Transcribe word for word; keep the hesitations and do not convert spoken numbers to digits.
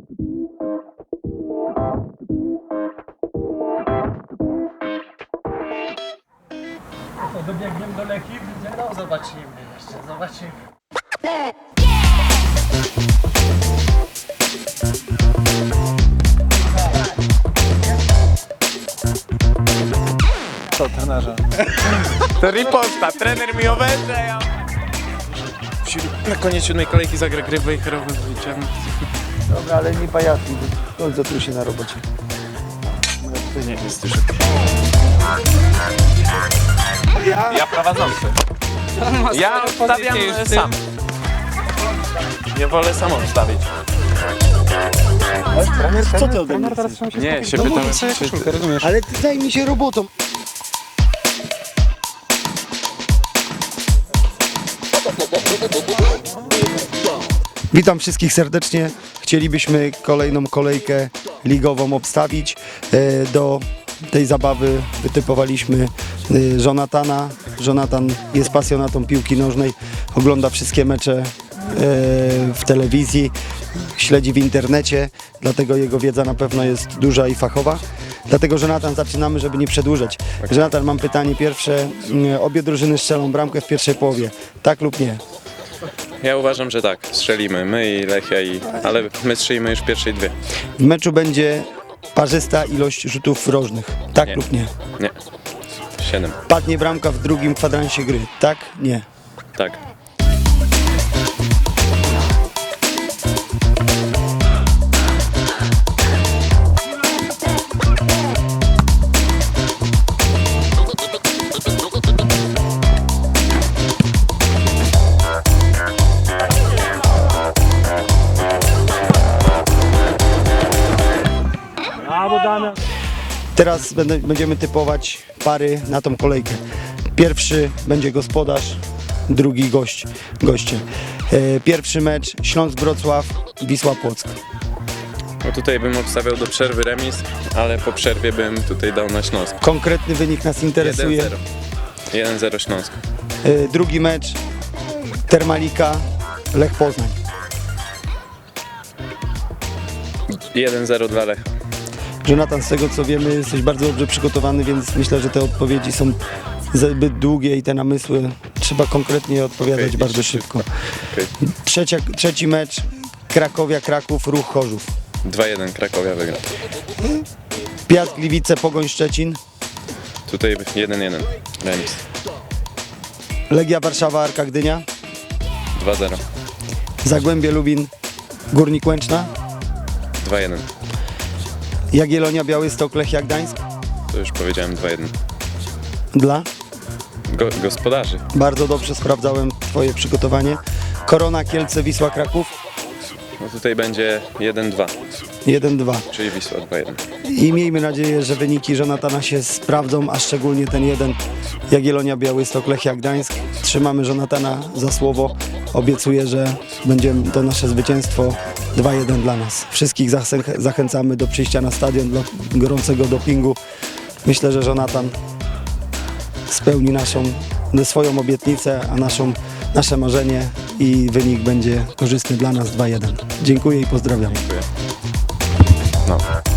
To dobiegniemy do Lechii, no zobaczymy jeszcze, zobaczymy. Co, trenerze? To riposta, trener mi obeże, ja. Na koniec siódmej kolejki zagra gry wejherowy wyciągnąć. Dobra, ale nie pajacuj, koncentruj się na robocie. To nie jest już. Ja? Ja prowadzący. Ja obstawiam sam. Nie wolę sam obstawić. Trener, co ty ode mnie chcesz? Nie, się pytam, czy ty... rozumiesz? Ale ty zajmij się robotą. Witam wszystkich serdecznie. Chcielibyśmy kolejną kolejkę ligową obstawić. E, Do tej zabawy wytypowaliśmy e, Jonathana. Jonathan jest pasjonatą piłki nożnej, ogląda wszystkie mecze e, w telewizji, śledzi w internecie, dlatego jego wiedza na pewno jest duża i fachowa. Dlatego, Jonathan, zaczynamy, żeby nie przedłużać. Jonathan, mam pytanie pierwsze. Obie drużyny strzelą bramkę w pierwszej połowie. Tak lub nie? Ja uważam, że tak. Strzelimy. My i Lechia, i... ale my strzelimy już w pierwszej dwie. W meczu będzie parzysta ilość rzutów rożnych. Tak Nie. lub nie? Nie. Siedem. Padnie bramka w drugim kwadransie gry. Tak? Nie. Tak. Teraz będę, będziemy typować pary na tą kolejkę. Pierwszy będzie gospodarz, drugi gość, goście. E, pierwszy mecz Śląsk-Wrocław, Wisła-Płock. No tutaj bym obstawiał do przerwy remis, ale po przerwie bym tutaj dał na Śląsk. Konkretny wynik nas interesuje. jeden zero. jeden zero Śląsk. E, drugi mecz Termalika, Lech Poznań. jeden zero dla Lecha. Jonathan, z tego co wiemy, jesteś bardzo dobrze przygotowany, więc myślę, że te odpowiedzi są zbyt długie i te namysły trzeba konkretnie odpowiadać Okej, bardzo szybko. szybko. Okay. Trzecia, trzeci mecz Krakowia-Kraków, Ruch Chorzów. dwa jeden Krakowia wygra. Piast Gliwice, Pogoń Szczecin. Tutaj jeden jeden remis. Legia Warszawa, Arka Gdynia. dwa zero. Zagłębie Lubin, Górnik Łęczna. dwa jeden. Jagiellonia, Białystok, Lechia Gdańsk. To już powiedziałem dwa jeden. Dla? Go, gospodarzy. Bardzo dobrze sprawdzałem twoje przygotowanie. Korona, Kielce, Wisła, Kraków. No tutaj będzie jeden dwa, jeden dwa. czyli Wisła dwa jeden. I miejmy nadzieję, że wyniki Jonathana się sprawdzą, a szczególnie ten jeden Jagiellonia, Białystok, Lechia Gdańsk. Trzymamy Jonathana za słowo. Obiecuję, że będzie to nasze zwycięstwo dwa jeden dla nas. Wszystkich zachę- zachęcamy do przyjścia na stadion dla gorącego dopingu. Myślę, że Jonathan spełni naszą, swoją obietnicę, a naszą, nasze marzenie i wynik będzie korzystny dla nas dwa jeden. Dziękuję i pozdrawiam. Dziękuję. No.